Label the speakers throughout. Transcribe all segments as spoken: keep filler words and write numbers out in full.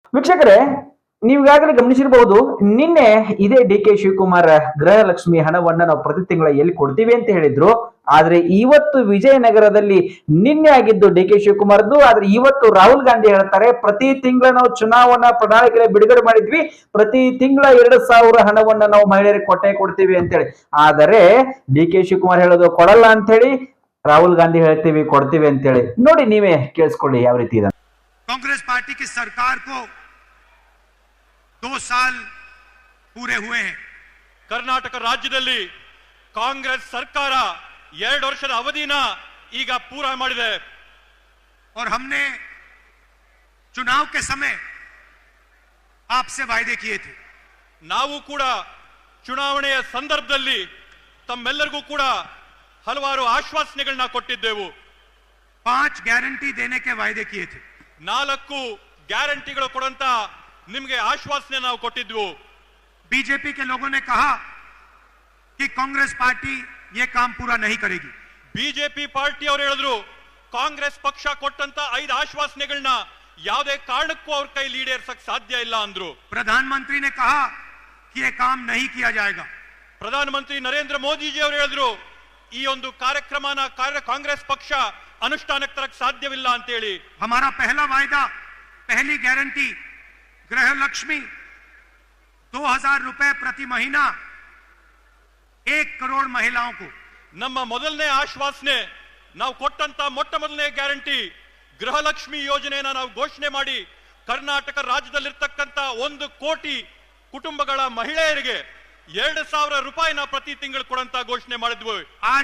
Speaker 1: ವೀಕ್ಷಕರೇ, ನೀವಾಗಲೇ ಗಮನಿಸಿರಬಹುದು, ನಿನ್ನೆ ಇದೇ ಡಿ ಕೆ ಶಿವಕುಮಾರ್ ಗೃಹಲಕ್ಷ್ಮಿ ಹಣವನ್ನ ನಾವು ಪ್ರತಿ ತಿಂಗಳ ಎಲ್ಲಿ ಕೊಡ್ತೀವಿ ಅಂತ ಹೇಳಿದ್ರು. ಆದ್ರೆ ಇವತ್ತು ವಿಜಯನಗರದಲ್ಲಿ ನಿನ್ನೆ ಆಗಿದ್ದು ಡಿ ಕೆ ಶಿವಕುಮಾರ್ದು. ಆದ್ರೆ ಇವತ್ತು ರಾಹುಲ್ ಗಾಂಧಿ ಹೇಳ್ತಾರೆ, ಪ್ರತಿ ತಿಂಗಳ ನಾವು ಚುನಾವಣಾ ಪ್ರಣಾಳಿಕೆ ಬಿಡುಗಡೆ ಮಾಡಿದ್ವಿ, ಪ್ರತಿ ತಿಂಗಳ ಎರಡು ಸಾವಿರ ಹಣವನ್ನ ನಾವು ಮಹಿಳೆಯರಿಗೆ ಕೊಟ್ಟೆ ಕೊಡ್ತೀವಿ ಅಂತ ಹೇಳಿ. ಆದರೆ ಡಿ ಕೆ ಶಿವಕುಮಾರ್ ಹೇಳೋದು ಕೊಡಲ್ಲ ಅಂತ ಹೇಳಿ, ರಾಹುಲ್ ಗಾಂಧಿ ಹೇಳ್ತೀವಿ ಕೊಡ್ತೀವಿ ಅಂತ ಹೇಳಿ. ನೋಡಿ, ನೀವೇ ಕೇಳಿಸ್ಕೊಳ್ಳಿ ಯಾವ ರೀತಿ ಇದೆ.
Speaker 2: कांग्रेस पार्टी की सरकार को दो साल पूरे हुए हैं.
Speaker 3: कर्नाटक राज्यದಲ್ಲಿ कांग्रेस सरकार ಎರಡು ವರ್ಷದ ಅವಧಿನ ಈಗ ಪೂರ ಮಾಡಿದೆ.
Speaker 2: और हमने चुनाव के समय आपसे वायदे किए थे.
Speaker 3: ನಾವು ಕೂಡ ಚುನಾವಣೆಯ ಸಂದರ್ಭದಲ್ಲಿ ತಮ್ಮೆಲ್ಲರಿಗೂ ಕೂಡ ಹಲವಾರು ಆಶ್ವಾಸನೆಗಳನ್ನ ಕೊಟ್ಟಿದ್ದೆವು.
Speaker 2: पांच गारंटी देने के वायदे किए थे.
Speaker 3: ನಾಲ್ಕು ಗ್ಯಾರಂಟಿಗಳು ಕೊಡುವಂತ ನಿಮಗೆ ಆಶ್ವಾಸನೆ ನಾವು ಕೊಟ್ಟಿದ್ವು.
Speaker 2: बीजेपी के लोगों ने कहा कि कांग्रेस पार्टी ये काम पूरा नहीं करेगी.
Speaker 3: ಬಿಜೆಪಿ ಪಾರ್ಟಿ ಅವರು ಹೇಳಿದ್ರು, ಕಾಂಗ್ರೆಸ್ ಪಕ್ಷ ಕೊಟ್ಟಂತ ಐದು ಆಶ್ವಾಸನೆಗಳನ್ನ ಯಾವುದೇ ಕಾರಣಕ್ಕೂ ಅವ್ರ ಕೈ ಈಡೇರಿಸಕ್ ಸಾಧ್ಯ ಇಲ್ಲ ಅಂದ್ರು.
Speaker 2: प्रधानमंत्री ने कहा कि ये काम नहीं किया जाएगा.
Speaker 3: ಪ್ರಧಾನಮಂತ್ರಿ ನರೇಂದ್ರ ಮೋದಿ ಜಿ ಅವರು ಹೇಳಿದ್ರು, ಈ ಒಂದು ಕಾರ್ಯಕ್ರಮನ ಕಾಂಗ್ರೆಸ್ ಪಕ್ಷ ಅನುಷ್ಠಾನಕ್ಕೆ ತರಕ್ ಸಾಧ್ಯವಿಲ್ಲ ಅಂತ ಹೇಳಿ.
Speaker 2: हमारा पहला वायदा, पहली गारंटी, गृह लक्ष्मी दो हजार रुपए प्रति महीना एक करोड़ महिलाओं को.
Speaker 3: ನಮ್ಮ ಮೊದಲನೇ ಆಶ್ವಾಸನೆ, ನಾವು ಕೊಟ್ಟಂತ ಮೊಟ್ಟ ಮೊದಲನೇ ಗ್ಯಾರಂಟಿ ಗೃಹಲಕ್ಷ್ಮಿ ಯೋಜನೆಯನ್ನ ನಾವು ಘೋಷಣೆ ಮಾಡಿ ಕರ್ನಾಟಕ ರಾಜ್ಯದಲ್ಲಿರ್ತಕ್ಕಂಥ ಒಂದು ಕೋಟಿ ಕುಟುಂಬಗಳ ಮಹಿಳೆಯರಿಗೆ ಎರಡು ಸಾವಿರ ರೂಪಾಯಿನ ಪ್ರತಿ ತಿಂಗಳು ಕೊಡಂತ ಘೋಷಣೆ ಮಾಡಿದ್ವಿ.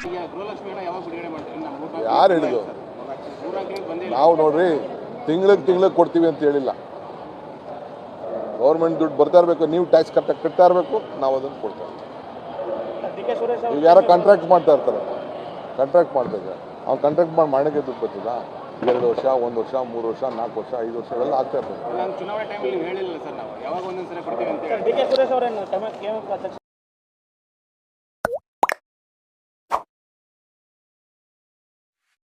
Speaker 4: ಯಾರು ಹೇಳಿದ್ರು? ನಾವು ನೋಡ್ರಿ, ತಿಂಗಳಿಗೆ ತಿಂಗಳಿಗೆ ಕೊಡ್ತೀವಿ ಅಂತ ಹೇಳಿಲ್ಲ. ಗೌರ್ಮೆಂಟ್ ದುಡ್ಡು ಬರ್ತಾ ಇರಬೇಕು, ನೀವು ಟ್ಯಾಕ್ಸ್ ಕಟ್ಟ ಕಟ್ತಾ ಇರಬೇಕು, ನಾವು ಅದನ್ನು ಕೊಡ್ತೇವೆ. ಈಗ ಯಾರೋ ಕಾಂಟ್ರಾಕ್ಟ್ ಮಾಡ್ತಾ ಇರ್ತಾರೆ, ಕಾಂಟ್ರಾಕ್ಟ್ ಮಾಡ್ಬೇಕು. ಅವ್ನು ಕಾಂಟ್ರಾಕ್ಟ್ ಮಾಡಿ ಮಾಡಕ್ಕೆ ದುಡ್ಡು ಬರ್ತಿಲ್ಲ. ಎರಡು ವರ್ಷ, ಒಂದು ವರ್ಷ, ಮೂರು ವರ್ಷ, ನಾಲ್ಕು ವರ್ಷ, ಐದು ವರ್ಷ ಎಲ್ಲ ಆಗ್ತಾ ಇರ್ತದೆ.
Speaker 5: ಚುನಾವಣೆ ಟೈಮಲ್ಲಿ ಹೇಳಿಲ್ಲ ಸರ್, ನಾವು ಯಾವಾಗ ಒಂದೊಂದ್ಸಲ ಕೊಡ್ತೀವಿ ಅಂತ. ಡಿ ಕೆ ಸುರೇಶ್ ಅವರೇನು